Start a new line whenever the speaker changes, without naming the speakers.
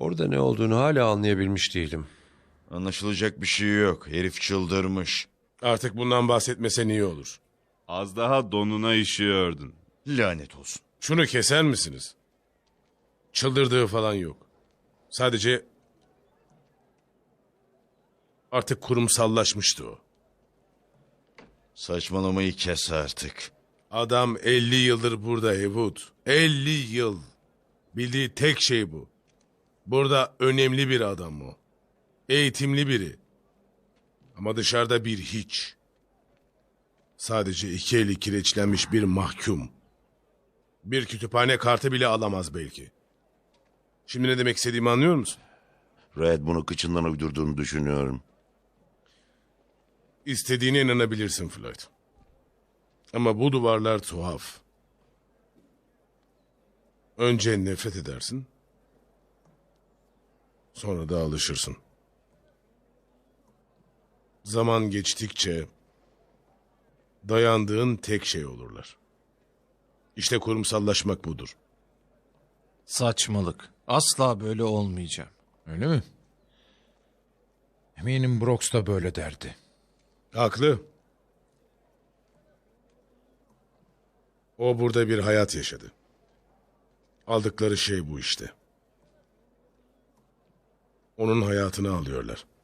Orada ne olduğunu hala anlayabilmiş değilim.
Anlaşılacak bir şey yok. Herif çıldırmış.
Artık bundan bahsetmesen iyi olur.
Az daha donuna işiyordun.
Lanet olsun.
Şunu keser misiniz? Çıldırdığı falan yok. Sadece artık kurumsallaşmıştı o.
Saçmalamayı kes artık.
Adam 50 yıldır burada Heywood. 50 yıl. Bildiği tek şey bu. Burada önemli bir adam o. Eğitimli biri. Ama dışarıda bir hiç. Sadece iki eli kireçlenmiş bir mahkum. Bir kütüphane kartı bile alamaz belki. Şimdi ne demek istediğimi anlıyor musun?
Red bunu kıçından uydurduğunu düşünüyorum.
İstediğine inanabilirsin Floyd. Ama bu duvarlar tuhaf. Önce nefret edersin. Sonra da alışırsın. Zaman geçtikçe dayandığın tek şey olurlar. İşte kurumsallaşmak budur.
Saçmalık. Asla böyle olmayacağım.
Öyle mi? Eminim Brox da böyle derdi.
Haklı. O burada bir hayat yaşadı. Aldıkları şey bu işte. Onun hayatını alıyorlar.